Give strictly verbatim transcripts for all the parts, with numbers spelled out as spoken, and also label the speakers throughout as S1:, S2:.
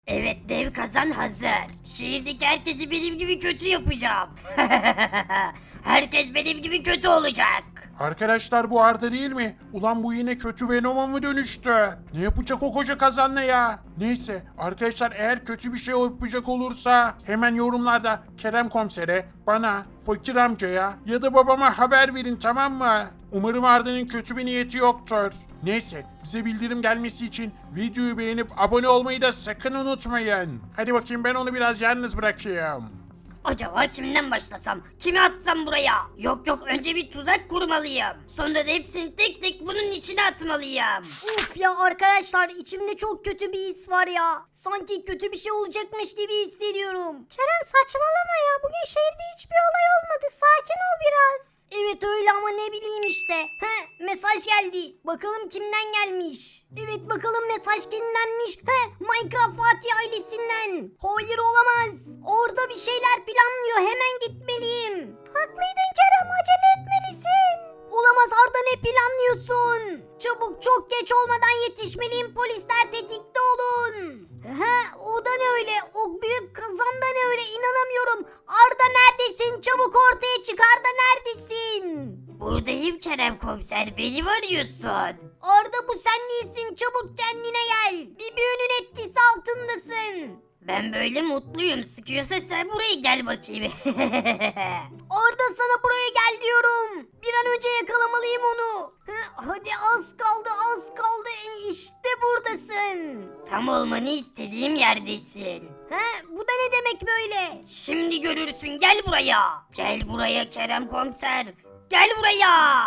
S1: Evet, dev kazan hazır. Şehirdeki herkesi benim gibi kötü yapacağım. Herkes benim gibi kötü olacak.
S2: Arkadaşlar bu Arda değil mi? Ulan bu yine kötü Venom'a mı dönüştü? Ne yapacak o koca kazanla ya? Neyse arkadaşlar eğer kötü bir şey yapacak olursa hemen yorumlarda Kerem Komiser'e, bana, Fakir amcaya ya da babama haber verin, tamam mı? Umarım Arda'nın kötü bir niyeti yoktur. Neyse bize bildirim gelmesi için videoyu beğenip abone olmayı da sakın unutmayın. Hadi bakayım ben onu biraz yalnız bırakayım.
S1: Acaba kimden başlasam? Kimi atsam buraya? Yok yok, önce bir tuzak kurmalıyım. Sonra da hepsini tek tek bunun içine atmalıyım.
S3: Uf ya arkadaşlar, içimde çok kötü bir his var ya. Sanki kötü bir şey olacakmış gibi hissediyorum. Kerem saçmalama ya. Bugün şehirde hiçbir olay olmadı. Sakin ol biraz. Evet öyle ama ne bileyim işte. He, mesaj geldi. Bakalım kimden gelmiş. Evet bakalım mesaj kimdenmiş. He, Minecraft Fatih ailesinden. Hayır olamaz. Orada bir şeyler planlıyor. Hemen gitmeliyim. Haklıydın Kerem, acele etmelisin. Olamaz Arda, ne planlıyorsun? Çabuk, çok geç olmadan yetişmeliyim, polisler tetikte olun. He, o da ne öyle? O büyük kazan da ne öyle? İnanamıyorum. Arda neredesin? Çabuk ortaya çık, Arda neredesin?
S1: Buradayım Kerem Komiser, beni mi arıyorsun?
S3: Arda bu sen değilsin, çabuk kendine gel. Bir büyünün etkisi altındasın.
S1: Ben böyle mutluyum. Sıkıyorsa sen buraya gel bakayım.
S3: Arda sana buraya gel diyorum. Bir an önce yakalamalıyım onu. Hı, hadi az kaldı az kaldı. İşte buradasın.
S1: Tam olmanı istediğim yerdesin.
S3: He, bu da ne demek böyle?
S1: Şimdi görürsün, gel buraya. Gel buraya Kerem Komiser. Gel buraya.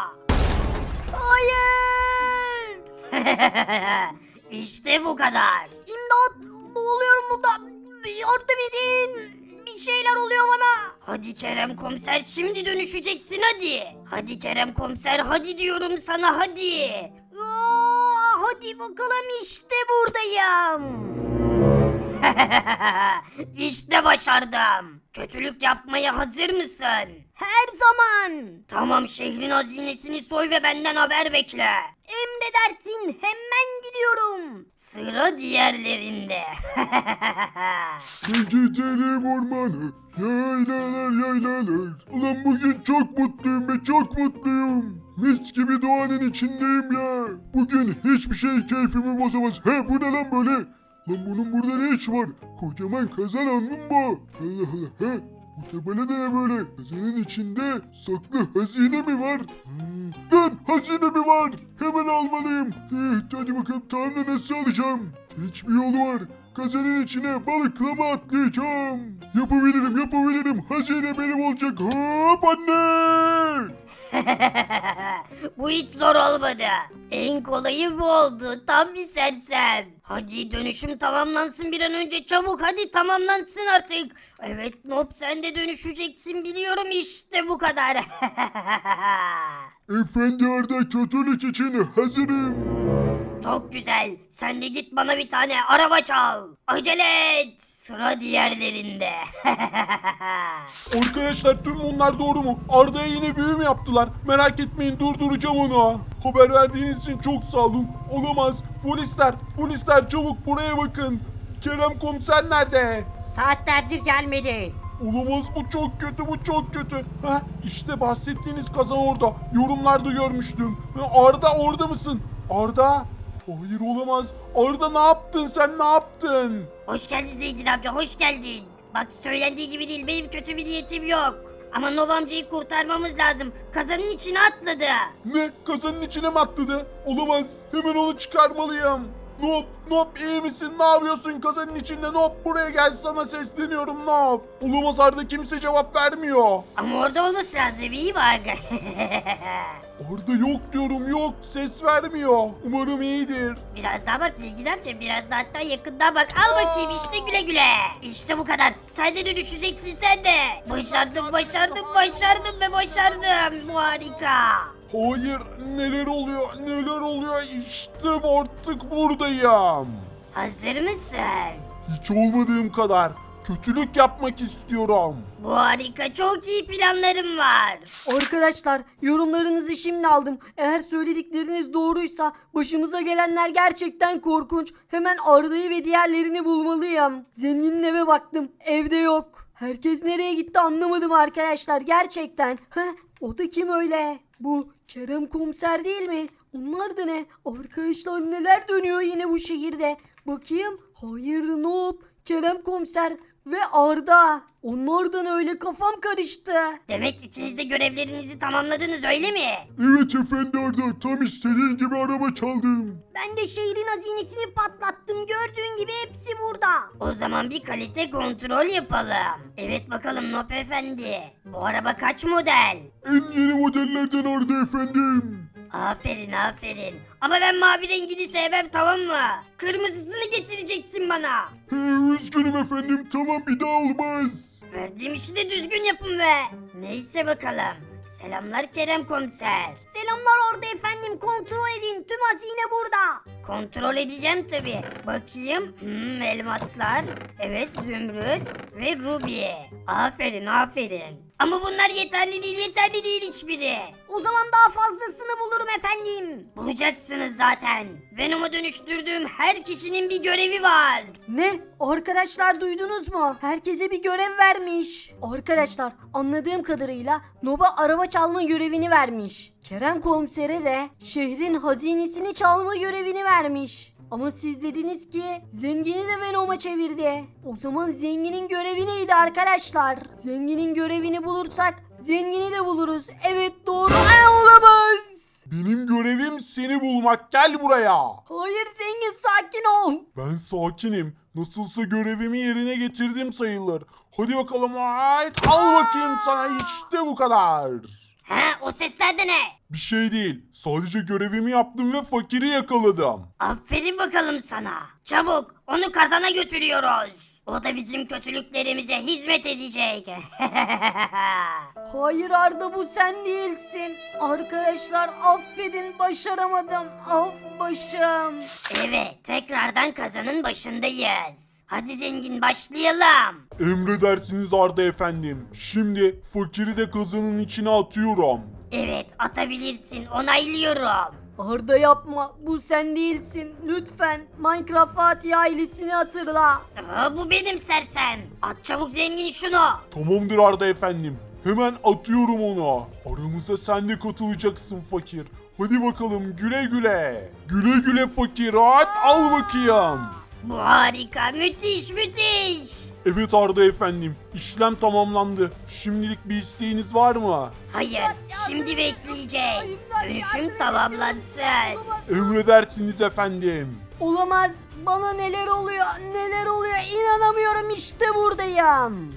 S3: Hayır.
S1: İşte bu kadar.
S3: İmdat, boğuluyorum burada. Yardım edin. Bir şeyler oluyor bana.
S1: Hadi Kerem Komiser, şimdi dönüşeceksin hadi. Hadi Kerem Komiser, hadi diyorum sana, hadi.
S3: Aa, hadi bakalım, işte buradayım.
S1: İşte başardım. Kötülük yapmaya hazır mısın?
S3: Her zaman.
S1: Tamam, şehrin hazinesini soy ve benden haber bekle.
S3: Emredersin, hemen gidiyorum.
S1: Sıra diğerlerinde.
S4: Gidelim ormanı, yaylalar yaylalar. Ulan bugün çok mutluyum ve çok mutluyum. Mis gibi doğanın içindeyim ya. Bugün hiçbir şey keyfimi bozamaz. He, bu ne lan böyle? Lan bunun burada ne iş var? Kocaman kazan anladın mı? Allah Allah, he. Bu tabela da ne böyle? Kazanın içinde saklı hazine mi var? Hmm. Lan hazine mi var? Hemen almalıyım. Eh, hadi bakalım, tamam da nasıl alacağım? Hiçbir yolu var. Kazanın içine balıkla mı atlayacağım? Yapabilirim yapabilirim. Hazine benim olacak. Hop anne.
S1: Bu hiç zor olmadı. En kolayı bu oldu. Tam bir sersem. Hadi dönüşüm tamamlansın bir an önce, çabuk hadi tamamlansın artık. Evet Nob, sen de dönüşeceksin biliyorum, işte bu kadar.
S4: Efendi Arda, kötülük için hazırım.
S1: Çok güzel. Sen de git bana bir tane araba çal. Acele et. Sıra diğerlerinde.
S2: Arkadaşlar tüm bunlar doğru mu? Arda'ya yine büyü mü yaptılar? Merak etmeyin, durduracağım onu. Haber verdiğiniz için çok sağ olun. Olamaz. Polisler, polisler çabuk buraya bakın. Kerem Komiser nerede?
S1: Saatlerdir gelmedi.
S2: Olamaz, bu çok kötü, bu çok kötü. Heh, işte bahsettiğiniz kazan orada. Yorumlarda görmüştüm. Ha, Arda orada mısın? Arda? Hayır olamaz. Arda ne yaptın sen, ne yaptın?
S1: Hoş geldin Zengin amca, hoş geldin. Bak söylendiği gibi değil, benim kötü bir niyetim yok. Ama Nob amcayı kurtarmamız lazım. Kazanın içine atladı.
S2: Ne? Kazanın içine mi atladı? Olamaz. Hemen onu çıkarmalıyım. Nob, Nob iyi misin? Ne yapıyorsun kazanın içinde? Nob buraya gel, sana sesleniyorum Nob. Olamaz, Arda kimse cevap vermiyor.
S1: Ama orada olması lazım, iyi bak.
S2: Arda yok diyorum, yok, ses vermiyor. Umarım iyidir.
S1: Biraz daha bak Zengin amca, biraz daha, hatta yakından bak. Al bakayım, işte güle güle. İşte bu kadar. Sen de dönüşeceksin sen de. Başardım, başardım, başardım ve başardım. Bu harika.
S2: Hayır, neler oluyor, neler oluyor? İşte artık buradayım.
S1: Hazır mısın?
S2: Hiç olmadığım kadar. Kötülük yapmak istiyorum.
S1: Bu harika, çok iyi planlarım var.
S3: Arkadaşlar yorumlarınızı şimdi aldım. Eğer söyledikleriniz doğruysa başımıza gelenler gerçekten korkunç. Hemen Arda'yı ve diğerlerini bulmalıyım. Zenginin eve baktım. Evde yok. Herkes nereye gitti anlamadım arkadaşlar gerçekten. Heh, o da kim öyle? Bu Kerem komiser değil mi? Onlar da ne? Arkadaşlar neler dönüyor yine bu şehirde? Bakayım. Hayır Noob, Kerem komiser ve Arda. Onlardan öyle kafam karıştı.
S1: Demek içinizde görevlerinizi tamamladınız, öyle mi?
S4: Evet efendi Arda, tam istediğin gibi araba çaldım.
S3: Ben de şehrin hazinesini patlattım. Gördüğün gibi hepsi burada.
S1: O zaman bir kalite kontrol yapalım. Evet bakalım Nop Efendi. Bu araba kaç model?
S4: En yeni modellerden Arda efendim.
S1: Aferin aferin. Ama ben mavi rengini sevmem, tamam mı? Kırmızısını getireceksin bana.
S4: He, üzgünüm efendim, tamam bir daha olmaz.
S1: Verdiğim işi de düzgün yapın be. Neyse bakalım. Selamlar Kerem komiser.
S3: Selamlar orada efendim. Kontrol edin. Tüm hazine burada.
S1: Kontrol edeceğim tabi. Bakayım. Hmm, elmaslar. Evet, zümrüt ve ruby. Aferin aferin. Ama bunlar yeterli değil, yeterli değil hiçbiri.
S3: O zaman daha fazlasını bulurum efendim.
S1: Bulacaksınız zaten. Venom'a dönüştürdüğüm her kişinin bir görevi var.
S3: Ne? Arkadaşlar duydunuz mu? Herkese bir görev vermiş. Arkadaşlar anladığım kadarıyla Nob'a araba çalma görevini vermiş. Kerem komisere de şehrin hazinesini çalma görevini vermiş. Ama siz dediniz ki zengini de Venom'a çevirdi. O zaman zenginin görevi neydi arkadaşlar? Zenginin görevini bulursak zengini de buluruz. Evet doğru. Ay, olamaz.
S2: Benim görevim seni bulmak. Gel buraya.
S3: Hayır zengin sakin ol.
S2: Ben sakinim. Nasılsa görevimi yerine getirdim sayılır. Hadi bakalım. Ait. Al bakayım sana. İşte bu kadar.
S1: Ha, o sesler de ne?
S2: Bir şey değil. Sadece görevimi yaptım ve fakiri yakaladım.
S1: Aferin bakalım sana. Çabuk onu kazana götürüyoruz. O da bizim kötülüklerimize hizmet edecek.
S3: Hayır Arda bu sen değilsin. Arkadaşlar affedin başaramadım. Af başım.
S1: Evet, tekrardan kazanın başındayız. Hadi zengin, başlayalım.
S2: Emredersiniz Arda efendim. Şimdi fakiri de kazanın içine atıyorum.
S1: Evet, atabilirsin, onaylıyorum.
S3: Arda yapma bu sen değilsin. Lütfen Minecraft Fatih ailesini hatırla.
S1: Aa, bu benim sersem. At çabuk zengin şunu.
S2: Tamamdır Arda efendim. Hemen atıyorum ona. Aramıza sen de katılacaksın fakir. Hadi bakalım güle güle. Güle güle fakir. At al bakayım.
S1: Bu harika, müthiş müthiş.
S2: Evet Arda efendim. İşlem tamamlandı. Şimdilik bir isteğiniz var mı?
S1: Hayır, şimdi bekleyeceğiz. Dönüşüm tamamlansın.
S2: Emredersiniz efendim.
S3: Olamaz bana neler oluyor neler oluyor inanamıyorum işte buradayım.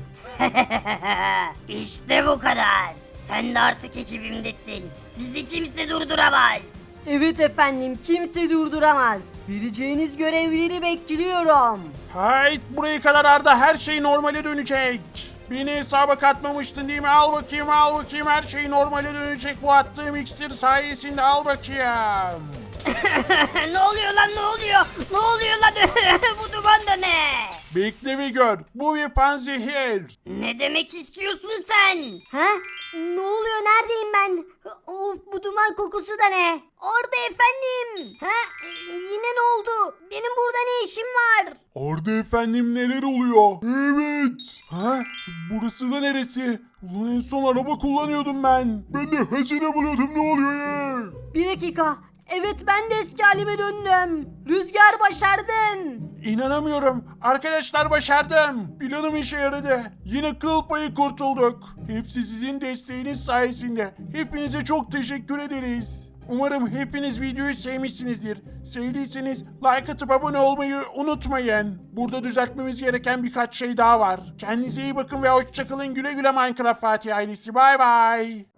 S1: İşte bu kadar. Sen de artık ekibimdesin. Bizi kimse durduramaz.
S3: Evet efendim kimse durduramaz. Vereceğiniz görevleri bekliyorum.
S2: Hayt buraya kadar Arda, her şey normale dönecek. Beni hesaba katmamıştın değil mi? Al bakayım al bakayım, her şey normale dönecek bu attığım iksir sayesinde, al bakayım.
S1: Ne oluyor lan, ne oluyor? Ne oluyor lan? Bu duman da ne?
S2: Bekle bir gör, bu bir panzehir.
S1: Ne demek istiyorsun sen?
S3: Ha? Ne oluyor neredeyim ben? Of bu duman kokusu da ne? Orada efendim. Ha? Yine ne oldu? Benim burada ne işim var?
S2: Arda efendim neler oluyor? Evet. Ha? Burası da neresi? Ulan en son araba kullanıyordum ben.
S4: Ben de hazine buluyordum, ne oluyor ya?
S3: Bir dakika. Evet ben de eski halime döndüm. Rüzgar başardın.
S2: İnanamıyorum. Arkadaşlar başardım. Planım işe yaradı. Yine kıl payı kurtulduk. Hepsi sizin desteğiniz sayesinde. Hepinize çok teşekkür ederiz. Umarım hepiniz videoyu sevmişsinizdir. Sevdiyseniz like atıp abone olmayı unutmayın. Burada düzeltmemiz gereken birkaç şey daha var. Kendinize iyi bakın ve hoşçakalın. Güle güle Minecraft Fatih ailesi. Bay bay.